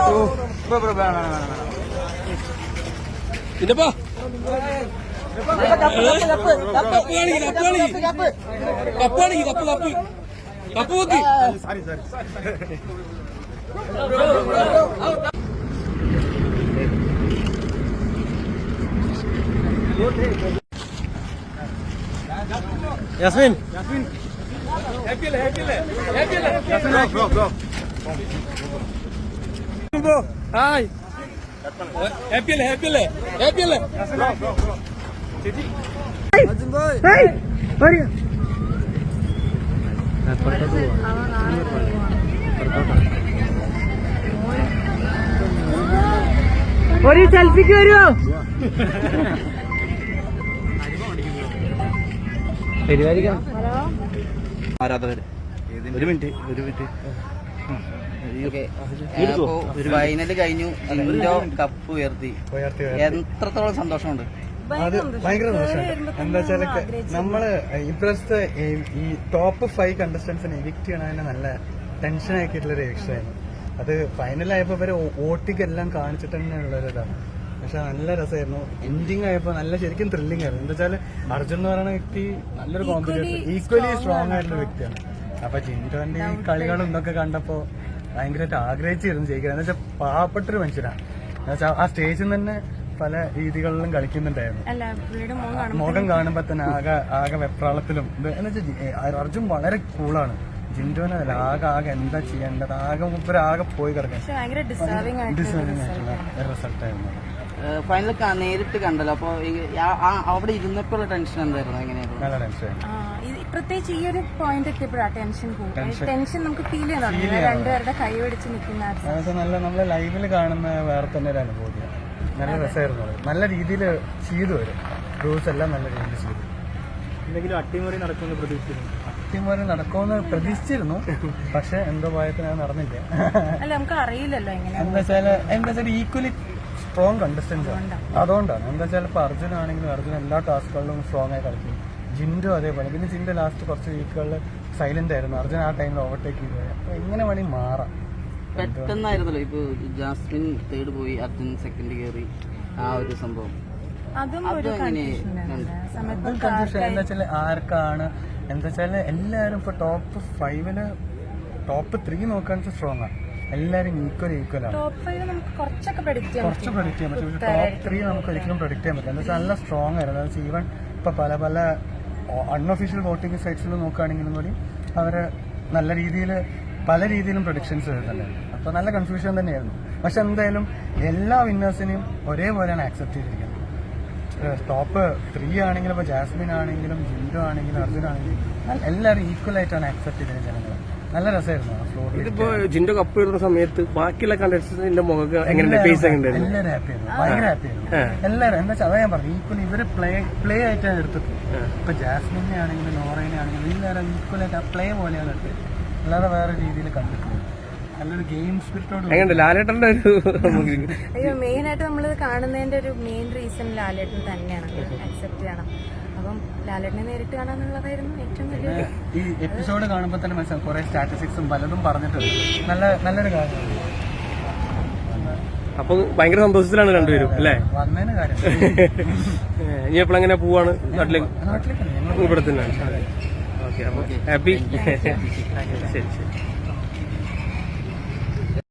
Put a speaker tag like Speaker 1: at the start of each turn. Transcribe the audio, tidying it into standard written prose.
Speaker 1: പിന്നെപ്പാ cup നോക്കി Yasmin hi happy അല്ലേ happy അല്ലേ ഹാപ്പി അല്ലേ
Speaker 2: ഒരു സെൽഫിക്ക് വരുമോ?
Speaker 3: ആരാധകര് ഒരു മിനിറ്റ് ഫൈനല് കഴിഞ്ഞു. ജിൻഡോ കപ്പ് ഉയർത്തി. എത്രത്തോളം സന്തോഷമുണ്ട്?
Speaker 4: അത് ഭയങ്കര സന്തോഷമുണ്ട്. എന്താ വെച്ചാൽ നമ്മള് ഇപ്രാവശ്യത്തെ ഈ ടോപ്പ് 5 കണ്ടസ്റ്റൻസിനെ എവിക്ട് ചെയ്യണതിന് നല്ല ടെൻഷൻ ആക്കിയിട്ടുള്ളൊരു എവിക്ഷനായിരുന്നു. അത് ഫൈനലായപ്പോ ഇവരെ ഓട്ടിക്കെല്ലാം കാണിച്ചിട്ട് തന്നെ ഉള്ളൊരിതാണ്. പക്ഷെ നല്ല രസമായിരുന്നു. എൻഡിങ് ആയപ്പോ നല്ല ശരിക്കും ത്രില്ലിംഗ് ആയിരുന്നു. എന്താ വെച്ചാൽ അർജുൻ എന്ന് പറയുന്ന വ്യക്തി നല്ലൊരു കോമ്പറ്റീറ്റർ, ഈക്വലി സ്ട്രോങ് ആയിട്ടുള്ള വ്യക്തിയാണ്. അപ്പൊ ജിൻഡോന്റെ ഈ കളികളും ഇതൊക്കെ കണ്ടപ്പോ ഭയങ്കരമായിട്ട് ആഗ്രഹിച്ചിരുന്നു ജയിക്കാൻ. എന്ന് വെച്ചാൽ പാവപ്പെട്ടൊരു മനുഷ്യനാണ്. എന്നുവെച്ചാൽ ആ സ്റ്റേജിൽ തന്നെ പല രീതികളിലും കളിക്കുന്നുണ്ടായിരുന്നു. മുഖം കാണുമ്പോ തന്നെ ആകെ വെപ്രാളത്തിലും എന്ന് വെച്ചാൽ അർജുൻ വളരെ കൂളാണ്. ജിൻഡോനെ ആകെ എന്താ ചെയ്യേണ്ടത് ആകെ പോയി കിടക്കാൻ ഡിസേർവിംഗ് ആയിട്ടുള്ള റിസൾട്ടായിരുന്നു.
Speaker 3: ഫൈനൽ നേരിട്ട് കണ്ടല്ലോ. അപ്പൊ അവിടെ ഇരുന്നപ്പോഴുള്ള ടെൻഷൻ എന്തായിരുന്നു? എങ്ങനെയായിരുന്നു?
Speaker 4: നല്ല ടെൻഷൻ.
Speaker 2: പ്രത്യേകിച്ച് ഈ ഒരു പോയിന്റ് എത്തിയപ്പോഴാണ് ടെൻഷൻ കൂടും. ടെൻഷൻ നമുക്ക് ഫീൽ ചെയ്യാൻ രണ്ടുപേരുടെ കൈ പിടിച്ച് നിൽക്കുന്ന
Speaker 4: നല്ല നമ്മളെ ലൈവിൽ കാണുന്ന വേറെ തന്നെ ഒരു അനുഭൂതിയാണ്. നല്ല രസമായിരുന്നു. നല്ല രീതിയിൽ ചെയ്തു വരും. റൂൾസ് എല്ലാം നല്ല രീതിയിൽ ചെയ്തു. എന്തെങ്കിലും അട്ടിമറി നടക്കുമെന്ന് പ്രതീക്ഷിച്ചിരുന്നു. പക്ഷെ എന്തോ ഭയത്തിന് അത് നടന്നില്ല.
Speaker 2: നമുക്ക് അറിയില്ലല്ലോ
Speaker 4: എന്താ വെച്ചാൽ ഈക്വലി സ്ട്രോങ് കണ്ടസ്റ്റൻസ് ആണ്. അതുകൊണ്ടാണ്. എന്താ വെച്ചാൽ ഇപ്പൊ അർജുൻ ആണെങ്കിലും അർജുൻ എല്ലാ ടാസ്കുകളിലും സ്ട്രോങ് ആയി കളിക്കും. ജിൻഡോ അതേപോലെ. പിന്നെ ജിൻഡോ ലാസ്റ്റ് കുറച്ച് വീക്കുകളിൽ സൈലന്റ് ആയിരുന്നു. അർജുൻ ആ ടൈമിൽ ഓവർടേക്ക് ചെയ്തു. അപ്പൊ എങ്ങനെ വേണമെങ്കിൽ മാറാം.
Speaker 3: പെട്ടെന്നായിരുന്നല്ലോ. ഇപ്പൊ ജാസ്മിൻ തേർഡ് പോയി, അർജുൻ സെക്കൻഡ് കയറി. ആ ഒരു സംഭവം
Speaker 4: കൺഫ്യൂഷൻ എന്താ വെച്ചാൽ ആർക്കാണ് എന്താ വെച്ചാൽ എല്ലാവരും ഇപ്പൊ ടോപ്പ് 5 ടോപ്പ് 3 നോക്കുകയാണെന്ന് സ്ട്രോങ് ആണ്. എല്ലാവരും ഈക്വൽ ആണ്.
Speaker 2: കുറച്ച് പ്രഡിക്റ്റ് ചെയ്യാൻ പറ്റും. പക്ഷെ
Speaker 4: ടോപ്പ് 3 നമുക്ക് ഒരിക്കലും പ്രഡിക്റ്റ് ചെയ്യാൻ പറ്റില്ല. എന്താ വെച്ചാൽ നല്ല സ്ട്രോങ് ആയിരുന്നു. അതായത് ഈവൻ ഇപ്പൊ പല അൺഒഫീഷ്യൽ വോട്ടിംഗ് സൈറ്റ്സിൽ നോക്കുകയാണെങ്കിലും കൂടി അവര് നല്ല രീതിയിൽ പല രീതിയിലും പ്രൊഡിക്ഷൻസ് വരുന്നുണ്ടായിരുന്നു. അപ്പൊ നല്ല കൺഫ്യൂഷൻ തന്നെയായിരുന്നു. പക്ഷെ എന്തായാലും എല്ലാ വിന്നേഴ്സിനെയും ഒരേപോലെയാണ് ആക്സെപ്റ്റ് ചെയ്തിരിക്കുന്നത്. ടോപ്പ് 3 ആണെങ്കിലും ഇപ്പൊ ജാസ്മിൻ ആണെങ്കിലും ജിൻഡോ ആണെങ്കിലും അർജുൻ ആണെങ്കിലും എല്ലാവരും ഈക്വൽ ആയിട്ടാണ് ആക്സെപ്റ്റ് ചെയ്തത് ജനങ്ങൾ. നല്ല രസമായിരുന്നു ആ ഫ്ലോർ.
Speaker 1: ഇതിപ്പോ ജിൻഡോ കപ്പ് ഇടുന്ന സമയത്ത് ബാക്കിയുള്ള കണ്ടസ്റ്റന്റിന്റെ മുഖം എങ്ങനെയുണ്ട്? ഫേസ് എങ്ങനെയുണ്ടായിരുന്നു?
Speaker 4: എല്ലാവരും ഹാപ്പിയായിരുന്നു. ഭയങ്കര ഹാപ്പിയായിരുന്നു എല്ലാവരും. എന്താ വെച്ചാൽ അതാ ഞാൻ പറഞ്ഞു, ഈക്വൽ ഇവര് പ്ലേ ആയിട്ടാണ് എടുത്തിട്ടുള്ളത്. ഇപ്പൊ ജാസ്മിനെ ആണെങ്കിലും നോറേനെ ആണെങ്കിലും എല്ലാവരും ഈക്വൽ ആയിട്ട് ആ പ്ലേ പോലെയാണ് എടുത്തത്. അല്ലാതെ വേറെ രീതിയിൽ കണ്ടിട്ടില്ല. നല്ലൊരു ഗെയിം സ്പിരിറ്റോട്.
Speaker 1: ലാലേട്ടന്റെ ഒരു
Speaker 2: മെയിൻ ആയിട്ട് നമ്മൾ കാണുന്നതിന്റെ ഒരു മെയിൻ റീസൺ ലാലേട്ടൻ തന്നെയാണ്. അക്സെപ്റ്റ് ചെയ്യണം. അപ്പം ലാലേട്ടനെ നേരിട്ട് കാണാന്നുള്ളതായിരുന്നു ഏറ്റവും വലിയ.
Speaker 4: ഈ എപ്പിസോഡ് കാണുമ്പോൾ തന്നെ മനസ്സിലാവും കുറെ സ്റ്റാറ്റിസ്റ്റിക്സും പലതും പറഞ്ഞിട്ടുണ്ട്. നല്ലൊരു കാര്യമാണ്.
Speaker 1: അപ്പൊ ഭയങ്കര സന്തോഷത്തിലാണ് രണ്ടുപേരും അല്ലേ?
Speaker 4: വന്നതിന് കാര്യം.
Speaker 1: ഇനി എപ്പോഴെങ്ങനെ പോവാണ് നാട്ടിലേക്ക്? ഇവിടെ തന്നെ. ഓക്കെ, അപ്പൊ ഹാപ്പി. ശരി.